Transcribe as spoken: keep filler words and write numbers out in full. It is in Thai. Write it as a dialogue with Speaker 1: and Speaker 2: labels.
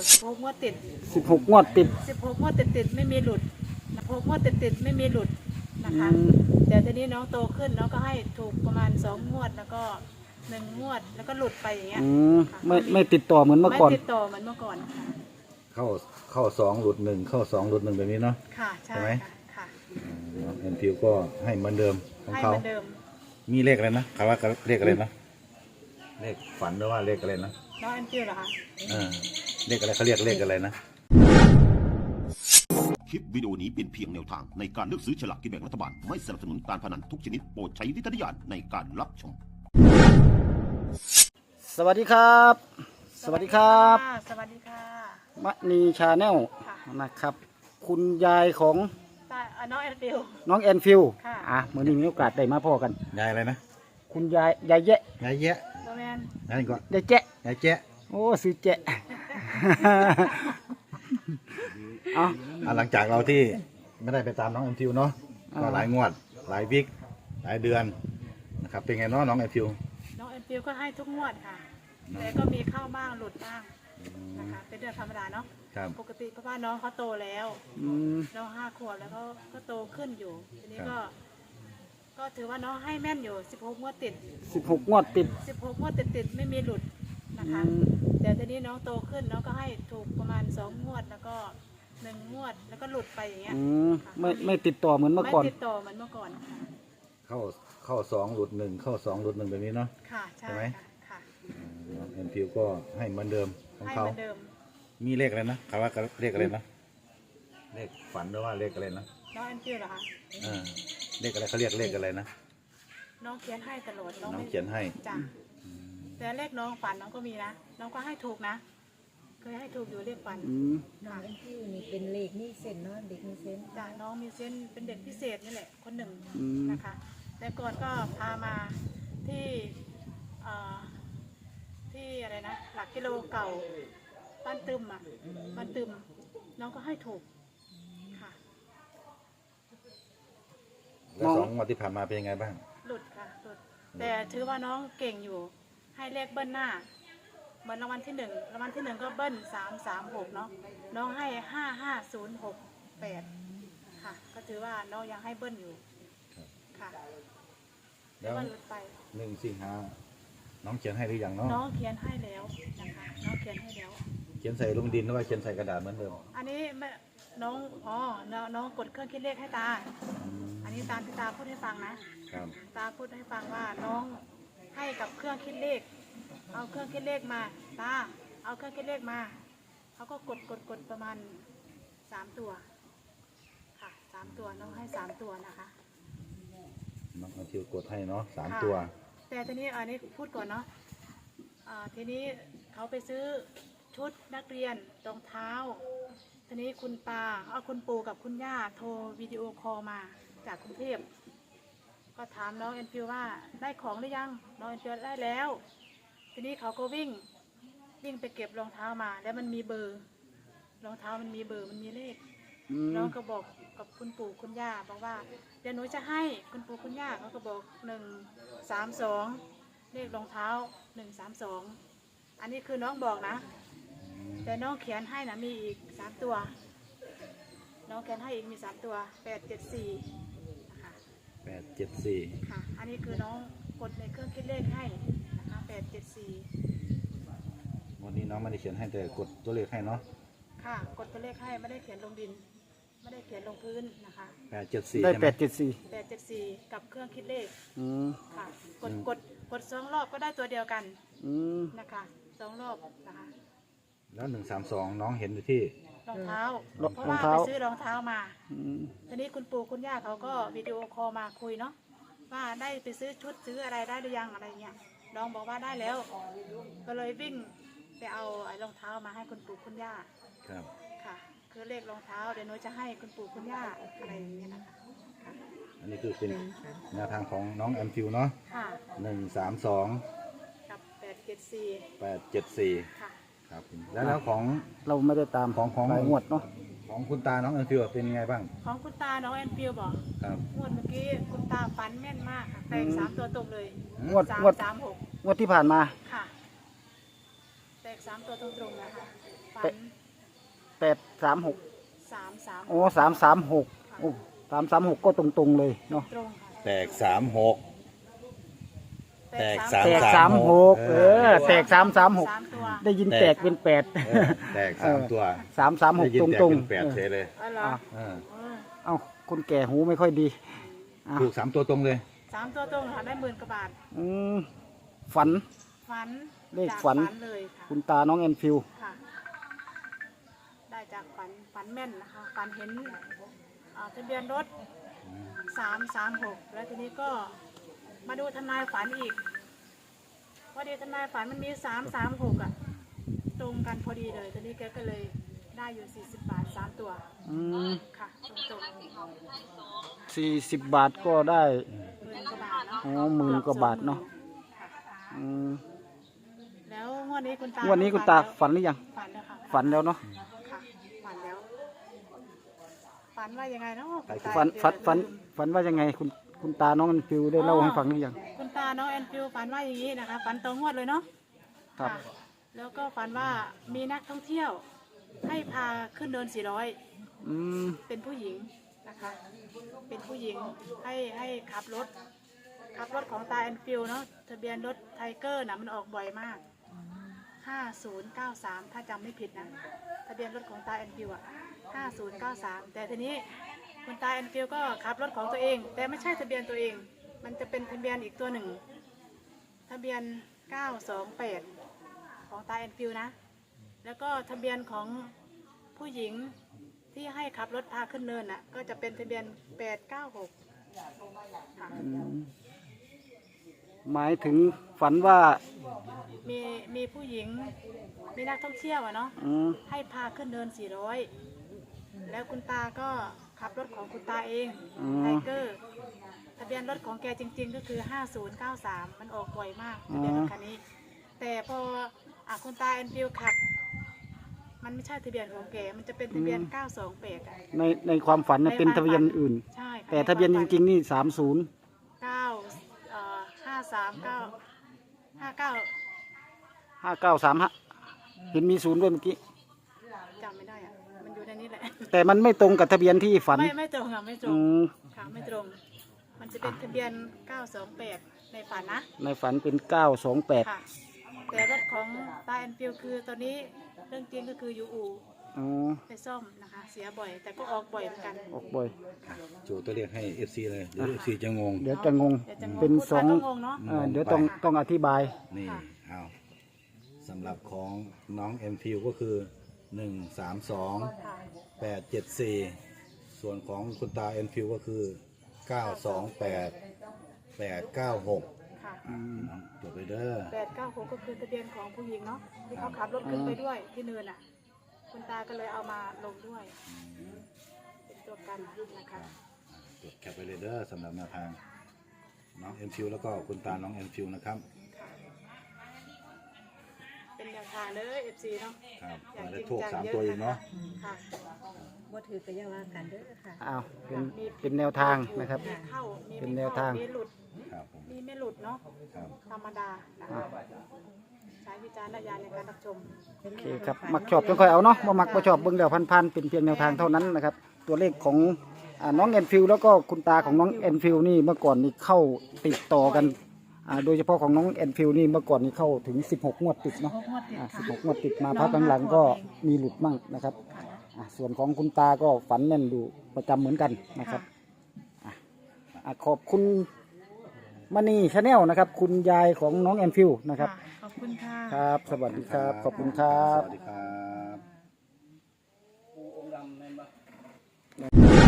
Speaker 1: สิบหกงวดติด
Speaker 2: สิบหกงวดติด
Speaker 1: สิบหกงวดติดติดไม่มีหลุดหกงวดติดติดไม่มีหลุดนะคะแต่ทีนี้น้องโตขึ้นน้องก็ให้ถูกประมาณสองงวดแล้วก็หนึ่งงวดแล้วก็หลุดไปอย่างเงี้ย
Speaker 2: ไม่ไม่ติดต่อเหมือนเมื่อก่อน
Speaker 1: ไม่ติดต่อเหมือนเมื่อก่อนค่ะ
Speaker 3: เข้าเข้าสองหลุดหนึ่งเข้าสองหลุดหนึ่งแบบนี้เนาะ
Speaker 1: ค่ะใช่ไหมค่ะ
Speaker 3: แอนฟิวก็ให้เหมือนเดิมของเขา
Speaker 1: ให้เหมือนเดิม
Speaker 3: มีเลขอะไรนะคำว่าเลขอะไรนะเลขฝันหรือว่าเลขอะไรนะ
Speaker 1: น้องแอนฟิวเหรอคะ
Speaker 3: อ่าเลขอะไรเขาเรียกเลขอะไรนะ
Speaker 4: คลิปวิดีโอนี้เป็นเพียงแนวทางในการเลือกซื้อฉลากกินแบ่งรัฐบาลไม่สนับสนุนการพนันทุกชนิดโปรดใช้วิจารณญาณในการรับชม
Speaker 2: สวัสดีครับสวัสดีครับ
Speaker 1: สวัสดีค่ะ
Speaker 2: มณีชาแนลนะครับคุณยายของ
Speaker 1: น้องแอนฟิว
Speaker 2: น้องแอนฟิวอ่ะเมื่อนี้มีโอกาสได้มาพ่อกัน
Speaker 3: ยายอะไรนะ
Speaker 2: คุณยายยายแยะ
Speaker 3: ยายแยะ
Speaker 1: แมน
Speaker 3: ยายก็
Speaker 2: ยายแจ๊ะ
Speaker 3: ยายแจ๊ะ
Speaker 2: โอ้ซื้อแจ๊ะ
Speaker 3: เอาหลังจากเราที่ไม่ได้ไปตามน้องแอนฟิวเนาะก็หลายงวดหลายวิกหลายเดือนนะครับเป็นไงเนาะน้องแอนฟิว
Speaker 1: น้องแอนฟิวก็ให้ทุกงวดค่ะแต่ก็มีเข้าบ้างหลุดบ้างนะคะเป็นเรื่องธรรมดาเนาะปกติเพราะว่าน้องเขาโตแล้วน้องห้าขวบแล้วก็ก็โตขึ้นอยู่ทีนี้ก็ก็ถือว่าน้องให้แม่นอยู่สิบหกงวดติด
Speaker 2: สิบหกงวดติด
Speaker 1: สิบหกงวดติดติดไม่มีหลุดนะคะแต่ทีนี้น้องโตขึ้นน้องก็ให้ถูกประมาณสองงวดแล้วก็หนึ่งงวดแล้วก็หลุดไปอย่างเงี้ย
Speaker 2: ไม่ไม่ติดต่อเหมือนเมื่อก่อน
Speaker 1: ไม่ติดต่อเหมือนเมื่อก่อน
Speaker 3: เข้าเข้าสองหลุดหนึ่งเข้าสองหลุดหนึ่งแบบนี้เนาะ
Speaker 1: ค่ะใช่ไหมค่ะ
Speaker 3: แอนฟิวก็ให้เหมือนเดิมของเขา
Speaker 1: ให้เหมือนเดิม
Speaker 3: มีเลขอะไรนะคำว่าเลขอะไรนะเลขฝันหรือว่าเลขอะไรนะ
Speaker 1: น้องแอนฟิวเหรอคะ
Speaker 3: อ่าเลขอะไรเขาเรียกเลขอะไรนะ
Speaker 1: น้องเขียนให้ตลอด
Speaker 3: น้องเขียนให้
Speaker 1: จ้ะแต่เลขน้องฝันน้องก็มีนะน้องก็ให้ถูกนะเคยให้ถูกอยู่เลขฝัน
Speaker 5: น้องแอนฟิวนี่เป็นเลขนี่เส้นเนาะเด็กมีเส้น
Speaker 1: จ้ะน้องมีเส้นเป็นเด็กพิเศษนี่แหละคนหนึ่งนะคะแต่ก่อนก็พามาที่ที่อะไรนะหลักกิโลเก่าบ้านตึมอ่ะบ้านตึมน้องก็ให้ถูกค่ะ
Speaker 3: แล้วสองวันที่ผ่านมาเป็นยังไงบ้าง
Speaker 1: หลุดค่ะหลุดแต่ถือว่าน้องเก่งอยู่ให้เลขเบิ้ลหน้าเหมือนรางวัลที่หนึ่งรางวัลที่หนึ่งก็เบิ้ลสามสามหกเนาะน้องให้ห้าห้าศูนย์หกแปดค่ะก็ถือว่าน้องยังให้เบิ้ลอยู่ค่ะ
Speaker 3: แล้วหนึ่งสิงหาน้องเขียนให้หรือยังเนาะ
Speaker 1: น้องเขียนให้แล้วนะคะน้องเขียนให้แล้ว
Speaker 3: เขียนใส่ลงดินหรือว่าเขียนใส่กระดาษเหมือนเดิม
Speaker 1: อันนี้น้องอ๋อน้องกดเครื่องคิดเลขให้ตาอันนี้ตาที่ตาพูดให้ฟังนะตาพูดให้ฟังว่าน้องให้กับเครื่องคิดเลขเอาเครื่องคิดเลขมาตาเอาเครื่องคิดเลขมาเขาก็กดกดกดประมาณสามตัวค่ะสามตัวน้องให้สามตัวนะคะ
Speaker 3: น้องเอาทิวกดให้เนาะสามตัว
Speaker 1: แต่ทีนี้อันนี้พูดก่อนเนาะทีนี้เขาไปซื้อชุดนักเรียนรองเท้าทีนี้คุณตาเอาคุณปู่กับคุณย่าโทรวิดีโอคอลมาจากกรุงเทพก็ถามน้องแอนฟิวว่าได้ของหรือยังน้องแอนฟิวได้แล้วทีนี้เขาก็วิ่งวิ่งไปเก็บรองเท้ามาแล้วมันมีเบอร์รองเท้ามันมีเบอร์มันมีเลขน้องก็บอกกับคุณปู่คุณย่าบอกว่าเดี๋ยวหนูจะให้คุณปู่คุณย่าเขาก็บอกหนึ่งสามสองเลขรองเท้าหนึ่งสามสองอันนี้คือน้องบอกนะแต่น้องเขียนให้นะมีอีกสามตัวน้องเขียนให้อีกมีสามตัวแปดเจ็ดสี่นะคะ
Speaker 3: แปดเจ็ดสี่
Speaker 1: ค่ะอันนี้คือน้องกดในเครื่องคิดเลขให้นะคะแปดเจ็ดสี่
Speaker 3: วันนี้น้องไม่ได้เขียนให้แต่กดตัวเลขให้เนาะ
Speaker 1: ค่ะกดตัวเลขให้ไม่ได้เขียนลงดินไม่ได้เขียนลงพื้นนะคะ
Speaker 3: แปดเจ็ดสี่
Speaker 2: ได้แปดเจ็ดสี่
Speaker 1: แปดเจ็ดสี่กับเครื่องคิดเลขค่ะกดกดกดสองรอบก็ได้ตัวเดียวกันนะคะสองรอบนะคะ
Speaker 3: แล้วหนึ่งสามสองน้องเห็นอยู่ที่
Speaker 1: รองเท้าเพราะว่าไปซื้อรองเท้ามาทีนี้คุณปู่คุณย่าเขาก็วิดีโอคอลมาคุยเนาะว่าได้ไปซื้อชุดซื้ออะไรได้หรือยังอะไรเงี้ยน้องบอกว่าได้แล้วก็เลยวิ่งไปเอาไอ้รองเท้ามาให้คุณปู่คุณย่า
Speaker 3: ครับ
Speaker 1: ค่ะคือเลขรองเท้าเดี๋ยวหนูจะให้คุณปู่คุณย่าอะไรอย่างเงี้ยนะคะ
Speaker 3: อันนี้คือเป็นแนวทางของน้องแอมฟิวเนาะหนึ่งสามสอง
Speaker 1: กับแปดเจ็ดสี่
Speaker 3: แปดเจ็ดสี่
Speaker 1: ค่ะ
Speaker 3: ครับแล้วแล้วของ
Speaker 2: เราไม่ได้ตาม
Speaker 3: ของของ
Speaker 2: งวดเนาะ
Speaker 3: ของคุณตาน้องแอมฟิวเป็นยังไงบ้าง
Speaker 1: ของคุณตาน้องแอมฟิวบอก
Speaker 3: ครับ
Speaker 1: งวดเมื่อกี้คุณตาฝันแม่นมากค่ะแตกสามตัวตรงเลย
Speaker 2: งวดงวด
Speaker 1: สามหก
Speaker 2: งวดที่ผ่านมา
Speaker 1: ค่ะแตกสามตัวตรงๆนะคะฝัน
Speaker 2: แปดสามหก
Speaker 1: สามสาม
Speaker 2: โอ้สามสามหกโอ้สามสามหกก็ตรงๆเลยเนาะ
Speaker 1: ตรงค่ะ
Speaker 3: แตกสามหก แตกสาม
Speaker 2: แตกสามหกเออแตกสามสามหก
Speaker 1: สามตัว
Speaker 2: ได้ยินแตกเป็นแปด
Speaker 3: เออแตกสามตัว
Speaker 2: สามสามห
Speaker 3: ได้
Speaker 2: ก
Speaker 3: ยิน
Speaker 2: ตรง
Speaker 3: แตก
Speaker 2: ตรง
Speaker 3: เป็นแปดเฉยเลย
Speaker 1: อ๋อเหรอ
Speaker 3: เออ
Speaker 1: เออ
Speaker 2: เอ้าคนแก่หูไม่ค่อยดีอ่ะ
Speaker 3: ถูกสามตัวตรงเลย
Speaker 1: สามตัวตรงค่ะได้หมื่นกว่าบาท
Speaker 2: อืมฝัน
Speaker 1: ฝัน
Speaker 2: เลข
Speaker 1: จาก
Speaker 2: ฝัน
Speaker 1: เลยค่ะ
Speaker 2: คุณตาน้องแอนฟิล
Speaker 1: ค่ะ ได้จากฝันฝันแม่นนะคะฝันเห็นอ่าทะเบียนรถสามสามหกแล้วทีนี้ก็มาดูทนายฝันอีกพอดีทนายฝันมันมีสามสามหกอ่ะตรงกันพอดีเลยทีนี้แกก็เลยได้อยู่สี่สิบบาทสามตัว
Speaker 2: อืม
Speaker 1: ค่ะตรงๆ
Speaker 2: สี่สิบบาทก็ได้
Speaker 1: หมื่นกว่าบาทเนาะ
Speaker 2: อ๋อหมื่นกว่าบาทเนาะ อืม
Speaker 1: แล้วงวดนี้คุณตา
Speaker 2: วันนี้คุณตาฝันหรือยัง
Speaker 1: ฝันแล้วค่ะ
Speaker 2: ฝันแล้วเนาะ
Speaker 1: ค่ะฝันแล้ว ฝันว่ายังไงเนาะคุณตา
Speaker 2: ฝันฝันฝัน
Speaker 1: เดี๋ยว
Speaker 2: ฝันว่ายังไงคุณคุณตาน้องแอนฟิลได้เล่าให้ฟังหรือยัง
Speaker 1: คุณตาน้องแอนฟิวฝันว่าอย่างนี้นะคะ ฝันตรงงวดเลยเนาะ
Speaker 2: ครับ
Speaker 1: ะแล้วก็ฝันว่ามีนักท่องเที่ยว ให้พาขึ้นเดินสี่ร้อย
Speaker 2: อืม
Speaker 1: เป็นผู้หญิงนะคะ เป็นผู้หญิงให้ให้ขับรถ ขับรถของตาแอนฟิลเนาะ ทะเบียนรถไทเกอร์นะมันออกบ่อยมาก ห้าศูนย์เก้าสาม ถ้าจำไม่ผิดนะ ทะเบียนรถของตาแอนฟิลอ่ะ ห้าศูนย์เก้าสาม แต่ทีนี้คุณตาแอนฟิลก็ขับรถของตัวเอง แต่ไม่ใช่ทะเบียนตัวเอง มันจะเป็นทะเบียนอีกตัวหนึ่ง ทะเบียนเก้าสองแปดของตาแอนฟิลนะ แล้วก็ทะเบียนของผู้หญิงที่ให้ขับรถพาขึ้นเนินน่ะ ก็จะเป็นทะเบียนแปดเก้าหกค่ะ
Speaker 2: หมายถึงฝันว่า
Speaker 1: มีมีผู้หญิง มีนักท่องเที่ยวอะเนาะ
Speaker 2: อืม
Speaker 1: ให้พาขึ้นเนินสี่ร้อย แล้วคุณตาก็ขับรถของคุณตาเอง
Speaker 2: อืม
Speaker 1: ไทเกอร์ ทะเบียนรถของแกจริง ๆ ก็คือ ห้าศูนย์เก้าสาม มันออกบ่อยมากทะเบียนรถคันนี้ แต่พออ่ะคุณตาแอนฟิลขับ มันไม่ใช่ทะเบียนของแก มันจะเป็นทะเบียน เก้าสองแปด อ่ะ
Speaker 2: ในในความฝันนะ
Speaker 1: ใน
Speaker 2: เป็น
Speaker 1: ความ
Speaker 2: ทะเบียน
Speaker 1: ฝัน
Speaker 2: อื่น
Speaker 1: ใช่ค่ะ
Speaker 2: แต่ทะเบียนจริงๆนี่สามศูนย์
Speaker 1: เก้าเอ่อห้าสามเก้าห้าเก้า
Speaker 2: ห้าเก้าสามฮะเห็นมีศูนย์ด้วยเมื่อกี้
Speaker 1: จำไม่ได้อ่ะ มันอยู่ในนี้แหละ
Speaker 2: แต่มันไม่ตรงกับทะเบียนที่ฝัน
Speaker 1: ไม่ไม่ตรงค่ะไม่ตร
Speaker 2: อื
Speaker 1: ง
Speaker 2: ม
Speaker 1: ค่ะไม่ตรง มันจะเป็นทะเบียน เก้าสองแปด ในฝันนะ
Speaker 2: ในฝันเป็นเก้าสองแปด
Speaker 1: ค่ะ แต่รถของตาแอนฟิลคือตอนนี้เรื่องจริงก็คือยูอู
Speaker 2: อ๋อ
Speaker 1: ไปซ่อมนะคะ เสียบ่อย แต่ก็ออกบ่อยเหมือนกัน
Speaker 2: ออกบ่อย
Speaker 3: โจตัวเลขให้ เอฟ ซี เลยเดี๋ยว เอฟ ซี จะงง
Speaker 2: เดี๋ยวจะงง
Speaker 1: เดี๋ยวจะงง
Speaker 2: เป็น
Speaker 1: พูด
Speaker 2: ส
Speaker 1: ไป
Speaker 2: อง
Speaker 1: ก็งงเนาะ
Speaker 2: เอ่อเดี๋ยวต้องต้องอธิบาย
Speaker 3: นี่
Speaker 1: ค่ะ
Speaker 3: เอาสำหรับของน้องเอ็มฟิวก็คือ หนึ่งสามสอง
Speaker 1: ค่ะ
Speaker 3: แปดเจ็ดสี่ ส่วนของคุณตาเอ็มฟิวก็คือ เก้าสองแปด แปดเก้าหก
Speaker 1: ค่ะ
Speaker 3: จดไปเด้อ
Speaker 1: แปดเก้าหกก็คือทะเบียนของผู้หญิงเนาะ ที่เขาขับรถขึ้นไปด้วยที่เนินอ่ะ คุณตาก็เลยเอามาลงด้วย เป็นตัวกันนะคะ
Speaker 3: จดแคปไปเลยเด้อสำหรับแนวทางน้องเอ็มฟิวแล้วก็คุณตาน้องเอ็มฟิวนะครับ
Speaker 1: เป็นแนวทางเลย เอฟ ซี เนาะ
Speaker 3: ครับ
Speaker 1: อย่าง
Speaker 3: ได้
Speaker 1: จริง
Speaker 3: ถูก
Speaker 1: จัง
Speaker 3: สาม
Speaker 1: เยอะ
Speaker 3: ตัวเองเนาะ
Speaker 1: ค่ะ
Speaker 5: บ่ถือก็อย่าว่ากันเด้อค่ะ
Speaker 2: อ้าวเป็นเป็นแนวทางนะครับ
Speaker 1: มีเข้ามี
Speaker 2: เป็น
Speaker 1: ไม่
Speaker 2: แนว
Speaker 1: เข้า
Speaker 2: ทาง
Speaker 1: มีหลุด
Speaker 3: ครับผม
Speaker 1: มีไม่หลุดเนาะ
Speaker 3: ครับ
Speaker 1: ธรรมดานะคะใช้วิจารณญาณในการรับชม
Speaker 2: โอเคครับ มักชอบต้องค่อยเอาเนาะบ่มักบ่ชอบเบิ่งเดี๋ยวพันๆเป็นเพียงแนวทางเท่านั้นนะครับ ตัวเลขของอ่าน้องแอนฟิลแล้วก็คุณตาของน้องแอนฟิลนี่เมื่อก่อนนี่เข้าติดต่อกันอ่าโดยเฉพาะของน้องแอนฟิลนี่เมื่อก่อนนี่เข้าถึงสิบหกงวดติดเนาะ
Speaker 1: งวดติด
Speaker 2: อ่า
Speaker 1: ค่ะ
Speaker 2: สิบหกงวดติดมาพักหลังๆก็มีหลุดมั่งนะครับอ่าส่วนของคุณตาก็ฝันแม่นดูประจำเหมือนกันนะครับอ่ะอ่ะขอบคุณมณีชาแนลนะครับ คุณยายของน้องแอนฟิลนะครับ
Speaker 1: ค่ะขอบคุณค่ะ
Speaker 2: ครับ สวัสดีครับ ขอบคุณครับ
Speaker 3: สวัสดีครับ